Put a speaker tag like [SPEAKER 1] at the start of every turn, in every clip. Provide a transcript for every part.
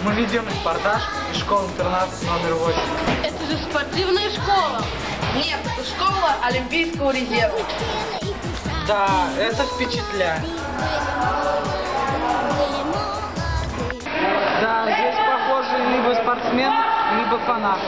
[SPEAKER 1] Мы ведем репортаж из школы-интернат номер 8.
[SPEAKER 2] Это же спортивная школа.
[SPEAKER 3] Нет, это школа Олимпийского резерва.
[SPEAKER 1] Да, это впечатляет. Да, здесь похожи либо спортсмены, либо фанаты.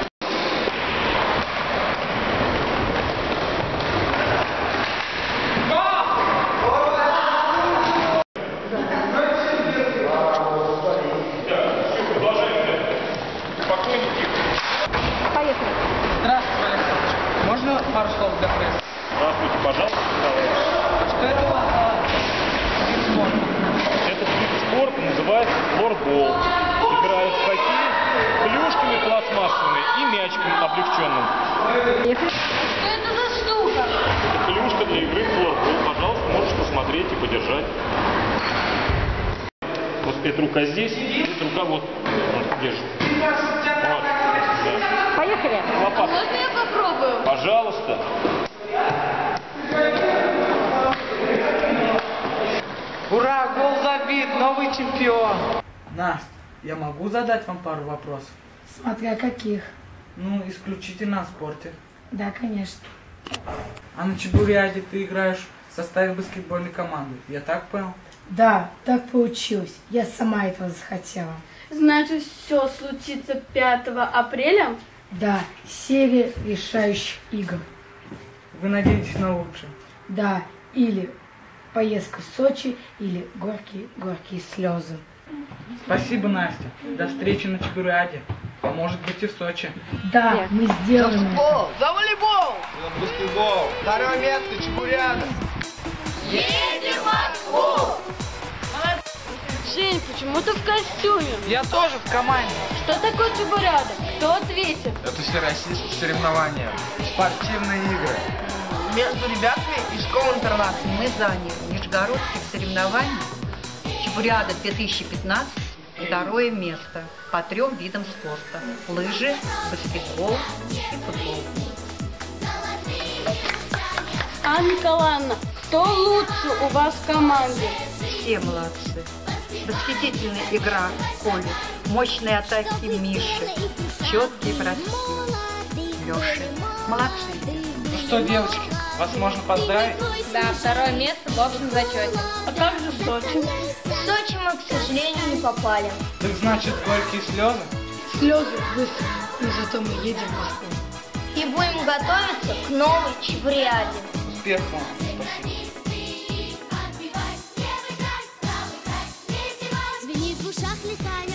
[SPEAKER 2] Поехали.
[SPEAKER 1] Здравствуйте, Александр. Можно пару слов для прессы?
[SPEAKER 4] Здравствуйте, пожалуйста.
[SPEAKER 1] Что это у вас за вид спорта?
[SPEAKER 4] Этот вид спорта называется флорбол. Играют в хоккей клюшками пластмассовыми и мячиком облегченным.
[SPEAKER 2] Что это за штука?
[SPEAKER 4] Это клюшка для игры в флорбол. Пожалуйста, можешь посмотреть и подержать. Вот эта рука здесь, эта рука вот. Держи. Вот. Да.
[SPEAKER 2] Поехали.
[SPEAKER 4] Лопата.
[SPEAKER 2] Можно я попробую?
[SPEAKER 4] Пожалуйста.
[SPEAKER 1] Ура, гол забит, новый чемпион. Настя, я могу задать вам пару вопросов?
[SPEAKER 5] Смотря каких.
[SPEAKER 1] Ну, исключительно о спорте.
[SPEAKER 5] Да, конечно.
[SPEAKER 1] А на чебуряде ты играешь в составе баскетбольной команды. Я так понял?
[SPEAKER 5] Да, так получилось. Я сама этого захотела.
[SPEAKER 2] Значит, все случится 5 апреля?
[SPEAKER 5] Да, серия решающих игр.
[SPEAKER 1] Вы надеетесь на лучшее?
[SPEAKER 5] Да, или поездка в Сочи, или горькие слезы.
[SPEAKER 1] Спасибо, Настя. До встречи на чебуряде. А может быть и в Сочи.
[SPEAKER 5] Да,
[SPEAKER 2] Нет.
[SPEAKER 5] мы сделаем это.
[SPEAKER 3] Футбол, за волейбол!
[SPEAKER 6] Баскетбол. Второе место, чебуряда.
[SPEAKER 3] Едем в Москву!
[SPEAKER 2] Жень, почему ты в костюме?
[SPEAKER 1] Я тоже в команде.
[SPEAKER 2] Что такое чебуряда? Кто ответит?
[SPEAKER 6] Это всероссийские соревнования. Спортивные игры.
[SPEAKER 3] Между ребятами из школы-интерната
[SPEAKER 7] Мы заняли межгородских соревнований чебуряда 2015 второе место по 3 видам спорта: лыжи, баскетбол и футбол.
[SPEAKER 2] Анна Николаевна, кто лучше у вас в команде?
[SPEAKER 7] Все молодцы. Восхитительная игра Коли, мощные атаки Миши, четкие броски Леши. Молодцы.
[SPEAKER 1] Ну что, девочки, вас можно поздравить?
[SPEAKER 8] Да, второе место в общем зачете.
[SPEAKER 2] А как же Сочи?
[SPEAKER 8] В Сочи мы, к сожалению, не попали.
[SPEAKER 1] Так значит, горькие слезы?
[SPEAKER 5] Слезы высохли, и зато мы едем в Москву.
[SPEAKER 8] И будем готовиться к новой чебуряде.
[SPEAKER 1] Успехов вам. Спасибо.
[SPEAKER 9] Звенит в ушах, летает.